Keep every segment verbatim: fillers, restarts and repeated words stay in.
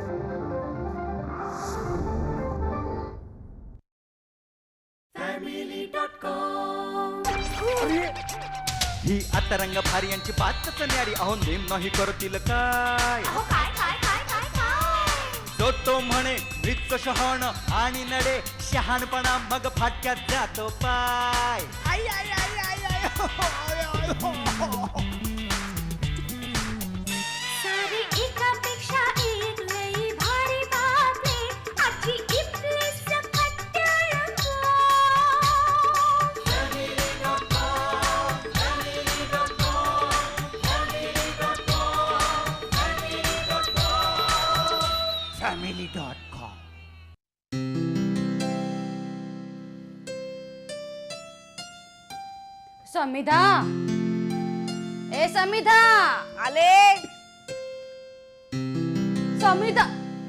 ही आता रंग भारी यांची बातच न्यारी अहो नेम नाही करतील काय तो तो म्हणे मृत्यू शहाण आणि नडे शहाणपणा मग फाटक्यात जातो पाय आई आई आई आई आई हो, हो, आय, आय, हो, हो. सारी एकापेक्षा एक लई भारी बातमी आजची इथली सकट रंगो. Family dot com. समिधा, ए समिधा, आले. समिधा.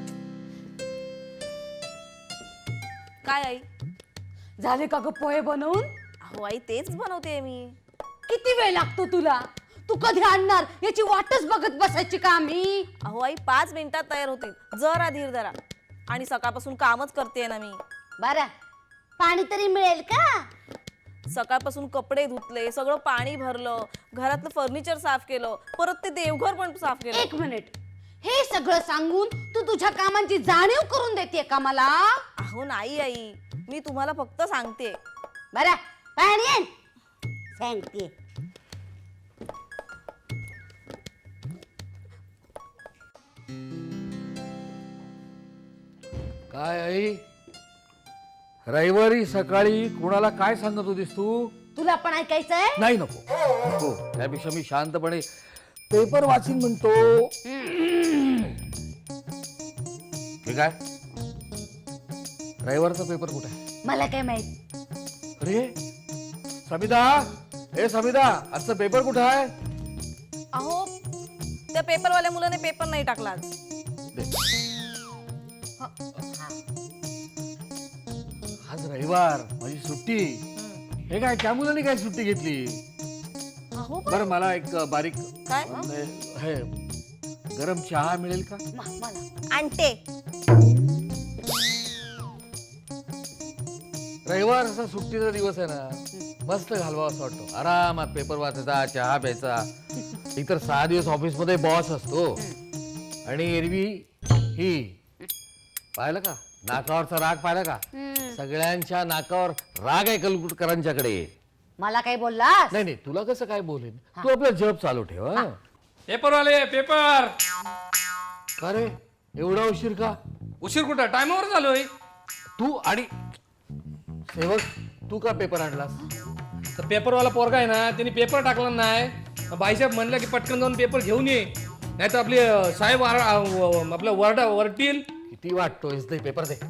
काय आई? झाले का ग पोहे बनवून? अहो आई तेच बनवते मी. किती वेळ लागतो तुला? तू कधी आणणार याची वाटच बघत बसायची का मी? अहो आई पाच मिनिटात तयार होतील. जरा धीर धरा. आणि सकाळपासून कामच करते ना मी. बरं, पाणी तरी मिळेल का? सकाळपासून कपडे धुतले, सगळं पाणी भरलं, घरातलं फर्निचर साफ केलं, परत ते देवघर पण साफ केलं. एक मिनिट, हे सगळं सांगून तू तुझ्या कामांची जाणीव करून देते का मला? अहो नाही आई, मी तुम्हाला फक्त सांगते. बरं, पाणी आण. सांगते. काय आई, रविवारी सकाळी कुणाला काय सांगत होतीस तू? तुला पण ऐकायचंय? नाही, नको नको. त्यापेक्षा मी शांतपणे पेपर वाचीन म्हणतो. ठीक आहे, रविवारचा पेपर कुठे आहे? मला काय माहित. अरे समिधा, ए समिधा, आजचा पेपर कुठे आहे? अहो त्या पेपरवाल्या मुलाने पेपर नाही टाकला आज. दे. आज रविवार, माझी सुट्टी. हे काय, त्या मुलाने काय सुट्टी घेतली? अहो बरं, मला एक बारीक काय? हे गरम चहा मिळेल का? आणते. रविवार असा सुट्टीचा दिवस आहे ना, मस्त घालवा असं वाटतं. आरामात पेपर वाचायचा, चहा प्यायचा. इतर सहा दिवस ऑफिस मध्ये बॉस असतो आणि एरवी ही पाहिलं का, नाकावरचा राग पाहिला का? सगळ्यांच्या नाकावर राग आहे कलकुटकरांच्याकडे. मला काय बोललास? नाही नाही, तुला कसं काय बोलेन? तू आपला जॉब चालू ठेव. हं? पेपर वाले पेपर. का रे, एवढा उशीर का? उशीर कुठं, टायमावर झालोय. तू आणि सेवक, तू का पेपर आणलास? तर पेपरवाला पोरगा आहे ना, त्यांनी पेपर टाकला नाही. बाईसाहेब म्हणलं की पटकन जाऊन पेपर घेऊन ये, नाही तर आपले साहेब आपल्या वरडा वरतील. किती वाटतोयस? दे पेपर दे.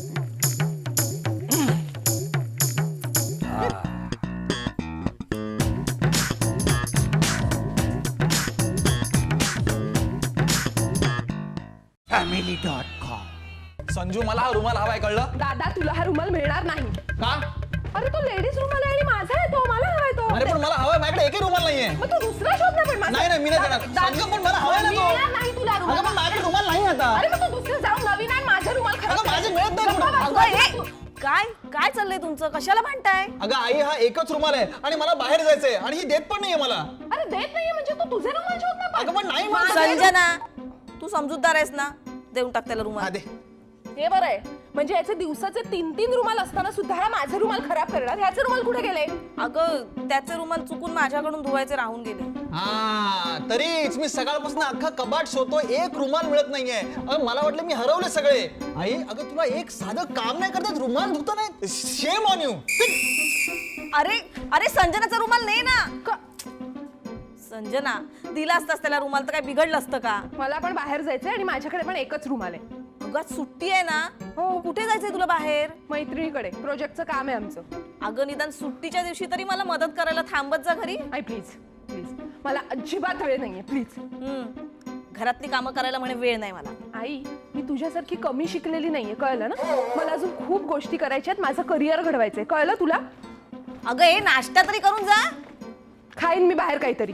Family dot com. संजू, मला हा रुमाल हवाय, कळलं? दादा तुला हा रुमाल मिळणार नाही. का? अरे तो लेडीज रुमाल आहे आणि माझा आहे तो, मला हवाय तो. अरे पण मला हवाय, माझ्याकडे एकही रुमाल नाहीये. मग तू दुसरा शोध ना. पण माझा नाही नाही, मी नाही देणार. दा- संजू, पण मला हवाय ना तो. मिळणार नाही तुला रुमाल. अगं पण माझ्याकडे रुमाल नाही आता. अरे मग तू दुसरं जाऊन नवीन आण, माझा रुमाल खराब अगं माझे करायचं. मिळत नाही गप्पा कुठं. बस. अगं, ए, काय काय चाललंय तुमचं? कशाला भांडताय? अगं आई, हा एकच रुमाल आहे आणि मला बाहेर जायचंय आणि ही देत पण नाहीये मला. अरे देत नाहीये म्हणजे तू तुझे रुमाल शोध ना. पण. अगं पण नाही मला. संजना, तू समजूतदार आहेस ना, देऊन टाक त्याला हा, रुमाल. दे. हे बरं आहे, म्हणजे याचे दिवसाचे तीन तीन रुमाल असताना सुद्धा हा माझे रुमाल खराब करणार. ह्याचे रुमाल कुठे गेले? अगं त्याचे रुमाल चुकून माझ्याकडून धुवायचे राहून गेले. हा, तरीच मी सकाळपासून अख्खा कबाट शोधतो, एक रुमाल मिळत नाहीये. अगं मला वाटलं मी हरवले सगळे. आई, अगं तुला एक साधं काम नाही करतात, रुमाल धुता नाही. Shame on you. अरे अरे संजनाचा रुमाल नाही ना. संजना, दिला असतास त्याला रुमाल तर काय बिघडलं असतं का? मला पण बाहेर जायचंय आणि माझ्याकडे पण एकच रुमाल आहे. अगं आज सुट्टी आहे ना. हो, कुठे जायचंय तुला बाहेर? मैत्रिणीकडे प्रोजेक्टचं काम आहे आमचं. अगं निदान सुट्टीच्या दिवशी तरी मला मदत करायला थांबत जा घरी. आई प्लीज प्लीज, मला अजिबात वेळ नाहीये प्लीज. हम्म, घरातली कामं करायला म्हणे वेळ नाही मला. आई, मी तुझ्यासारखी कमी शिकलेली नाहीये, कळलं ना? मला अजून खूप गोष्टी करायच्यात, माझं करिअर घडवायचंय, कळलं तुला? अगं हे नाश्ता तरी करून जा. खाईन मी बाहेर काहीतरी.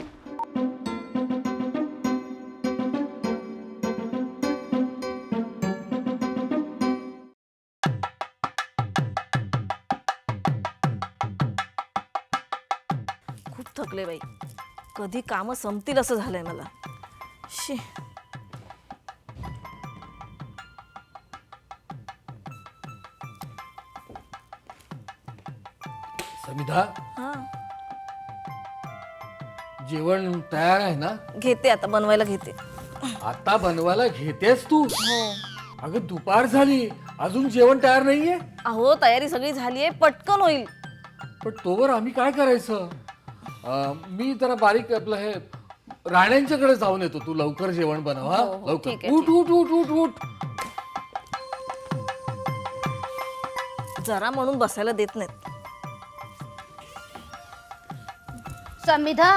थकले बाई. कधी कामं संपतील असं झालंय मला. शी. समिधा, हा जेवण तयार आहे ना? घेते आता बनवायला घेते. आता बनवायला घेतेस तू? हो. अगं दुपार झाली, अजून जेवण तयार नाहीये. अहो तयारी सगळी झालीये, पटकन होईल. पण तोवर आम्ही काय करायचं? अं, मी जरा बारीक आपलं हे राण्यांच्याकडे जाऊन येतो. तू लवकर जेवण बनव हा. हो, हो, लवकर ठीक आहे, उठ उठ उठ उठ उठ. जरा म्हणून बसायला देत नाहीत. समिधा,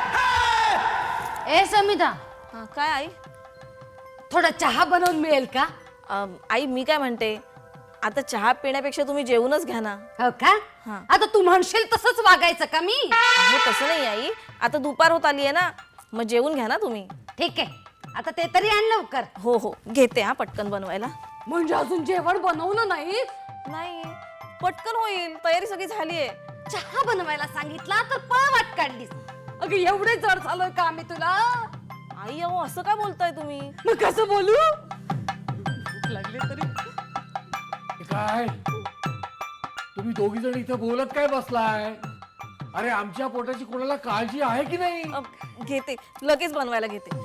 ए समिधा, हा, काय आई? थोडा चहा बनवून मिळेल का? अम, आई मी काय म्हणते, आता चहा पिण्यापेक्षा तुम्ही जेवूनच घ्या ना. हो का? हा. आता तू म्हणशील तसंच वागायचं का मी? अहो तसं नाही आई, आता दुपार होत आली आहे ना, मग जेवून घ्या ना तुम्ही. ठीक आहे, आता ते तरी आण लवकर. हो हो घेते हा पटकन बनवायला. म्हणजे अजून जेवण बनवलं नाही? नाही पटकन होईल, तयारी सगळी झालीये. चहा बनवायला सांगितला तर पळ वाट काढलीस. अगं एवढे जड झालोय का आम्ही तुला? आई अहो असं काय बोलताय तुम्ही? मग कसं बोलू? भूक लागली तरी. हे काय तुम्ही दोघी जण इथे बोलत काय बसलाय? अरे आमच्या पोटाची कोणाला काळजी आहे की नाही? अ, घेते लगेच बनवायला घेते.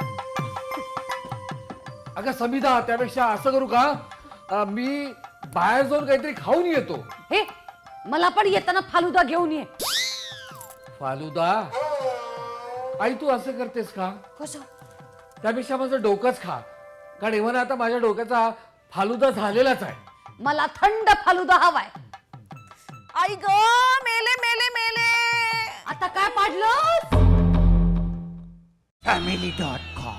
अगं समिधा, त्यापेक्षा असं करू का, अं, मी बाहेर जाऊन काहीतरी खाऊन येतो. हे मला पण येताना फालुदा घेऊन ये. फालुदा? आई तू असं करतेस का? कसं? त्यापेक्षा माझं डोकंच खा, कारण एव्हा आता माझ्या डोक्याचा फालुदा झालेलाच आहे. मला थंड फालुदा हवाय. आई ग मेले मेले मेले. आता काय पाडलं? Family dot com.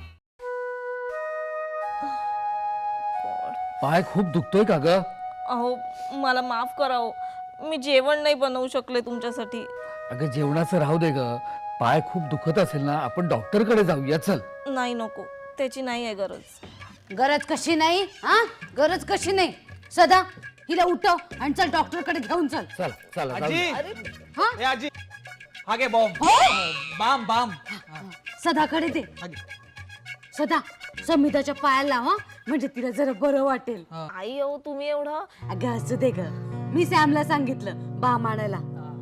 पाय खूप दुखतोय का ग? अहो मला माफ करा हो, मी जेवण नाही बनवू शकले तुमच्यासाठी. अगं जेवणाचं राहू दे ग. पाय खूप दुखत असेल ना, आपण डॉक्टर कडे जाऊया. चल. नाही नको, त्याची नाही आहे गरज. गरज कशी नाही? हा, गरज कशी नाही? सदा हिला उठव आणि चल डॉक्टर कडे घेऊन चल. चल चल आजी हा? ए आजी, हा घे बॉम्ब. Balm balm. सदाकडे दे. हा घे. सदा समिताच्या पायाला लाव हं, म्हणजे तिला जरा बरं वाटेल. आई अहो तुम्ही एवढं. अगं असू दे ग, मी सॅमला सांगितलं बाम आणायला.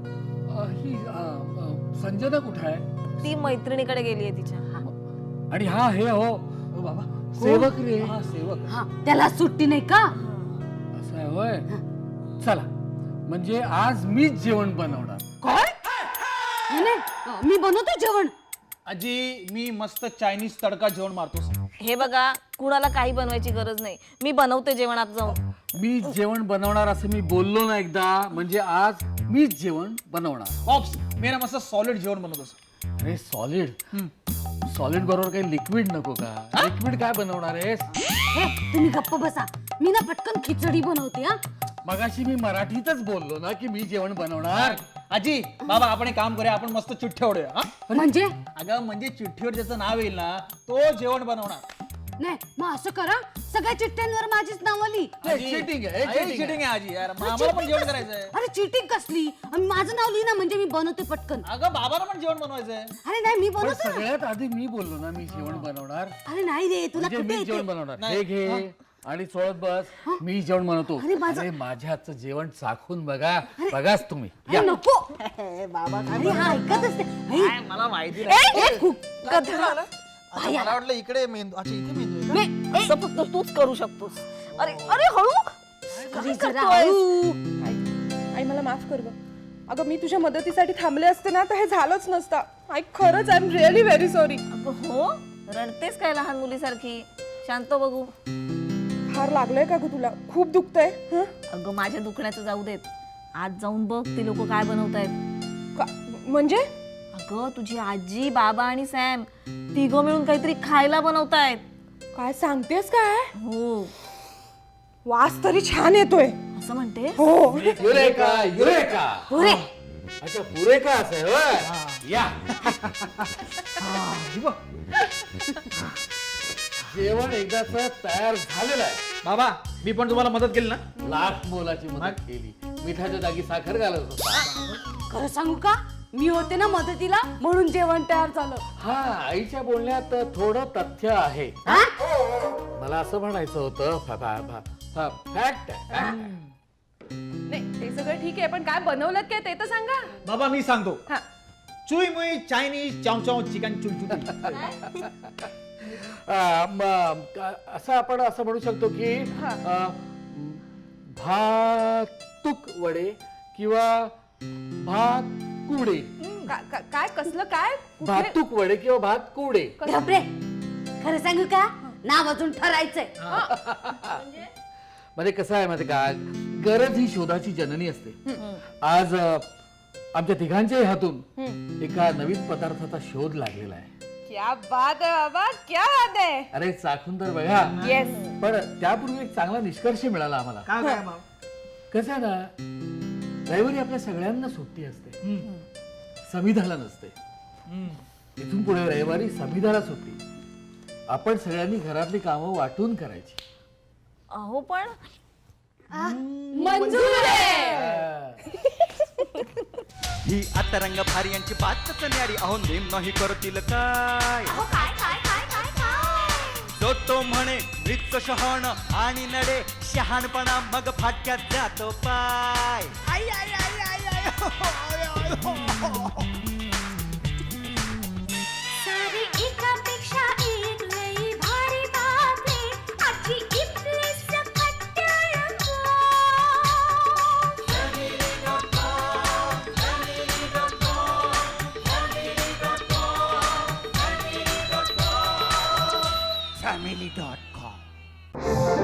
ही अ, अ, संजना कुठे आहे? ती मैत्रिणीकडे गेली आहे तिच्या. आणि हा हे हो ओ बाबा, सेवक रे. हा सेवक. हा, त्याला सुट्टी नाही का? असं आहे होय. चला, म्हणजे आज मीच जेवण बनवणार. काय? नाही, नाही, मी बनवतो जेवण. आजी मी मस्त चायनीज तडका जेवण मारतो. हे बघा कुणाला काही बनवायची गरज नाही, मी बनवते जेवण आता जाऊन. मी जेवण बनवणार असं मी बोललो ना एकदा, म्हणजे आज मीच जेवण बनवणार. ऑप्स मी ना मस्त सॉलिड जेवण बनवतो. अरे सॉलिड? सॉलिड बरोबर काही लिक्विड नको का? लिक्विड काय बनवणार आहेस? हे तुम्ही गप्प बसा, मी ना पटकन खिचडी बनवते. हा, मगाशी मी मराठीतच बोललो ना की मी जेवण बनवणार. आजी बाबा आपण एक काम करूया, आपण मस्त चिठ्ठ्या उडूया. हा? म्हणजे अगं म्हणजे चिठ्ठीवर ज्याचं नाव येईल ना तो जेवण बनवणार. नाही, मग असं करा, सगळ्या चिठ्ठ्यांवर माझीच नाव आली. आजी, cheating आहे, अरे, cheating cheating आहे आजी यार, मग आम्हाला पण जेवण करायचंय. अरे चीटिंग कसली? आणि माझं नाव लिही ना, म्हणजे मी बनवते पटकन. अगं बाबाला पण जेवण बनवायचंय. अरे नाही, मी पण बनवते ना. सगळ्यात आधी मी बोललो ना मी जेवण बनवणार. अरे नाही रे, तुला म्हणजे कुठे मी जेवण येते? बनवणार. नाही. हे घे आणि चोळत बस. मी जेवण बनवतो. अरे माझं- अरे माझ्या हातचं जेवण चाखून बघा. बघाच तुम्ही. अरे या. नको. अरे हा ऐकत असते. काय मला माहिती नाही. ए, खूप कचरा. अच्छा, मला वाटलं इकडे मेंदू. अच्छा इथे मेंदू आहे मी- ए, असं फक्त तूच करू शकतोस. अरे अरे हळू. अरे जरा करतोय? हळू. आई मला माफ कर गं. अगं मी तुझ्या मदतीसाठी थांबले असते ना तर हे झालंच नसतं. आई खरंच I am really very sorry. अगं हो, रडतेस काय लहान मुलीसारखी? शांत बघू. फार लागलंय का ग तुला? खूप दुखतंय? हं? अगं माझ्या दुखण्याचं जाऊ देत, आज जाऊन बघ ती लोक काय बनवतायत. का- म्हणजे अगं तुझी आजी बाबा आणि सॅम तिघं मिळून काहीतरी खायला बनवतायत. काय सांगतेस काय? हो वास तरी छान येतोय. असं म्हणते. हो. Eureka eureka. पुरे. अच्छा पुरेका असेल होय. या. जेवण एकदाच तयार झालेलं आहे. बाबा मी पण तुम्हाला मदत केली ना. लाख मोलाची मदत केली. मिठाच्या जागी साखर घालत होता. खरं सांगू का, मी होते ना मदतीला म्हणून जेवण तयार झालं. हा आईच्या बोलण्यात थोडं तथ्य आहे. हा? मला असं म्हणायचं होतं फॅक्ट नाही ते सगळं ठीक आहे पण काय बनवलं काय ते तर सांगा. बाबा मी सांगतो हा चुई मुई चायनीज चाव चाव चिकन चुलचुली. असं आपण असं म्हणू शकतो की अ, भातुक वडे किंवा भात कुडे. का- का- काय कसलं काय कुठले- भातुक वडे किंवा भात कुडे. घाबरे खरं सांगू का नाव अजून ठरायचंय. म्हणजे कसं आहे माहिती का गरज ही शोधाची जननी असते. आज अ, आमच्या तिघांच्याही हातून एका नवीन पदार्थाचा शोध लागलेला आहे. क्या बात आहे बाबा क्या बात आहे. अरे चाखून तर बघा. येस पण त्यापूर्वी एक चांगला निष्कर्ष मिळाला आम्हाला. काय काय बाबा? कसं आहे ना रविवारी आपल्या सगळ्यांना सुट्टी असते, समिधाला नसते. इथून पुढे रविवारी समिधाला सुट्टी. आपण सगळ्यांनी घरातली कामं वाटून करायची. अहो पण मंजूर आहे. ही आता रंग भारी यांची बातच न्यारी. अहो नेम नाही करतील काय अहो काय काय काय काय काय जो तो म्हणे वृत्त शहाण आणि नडे शहाणपणा मग फाटक्यात जातो पाय. आई, आई, आई, आई, आई, हो, हो, आय, आय, हो, हो. सारी एकापेक्षा एक लई भारी बातमी आजची इथली सकट रंगो. Family dot com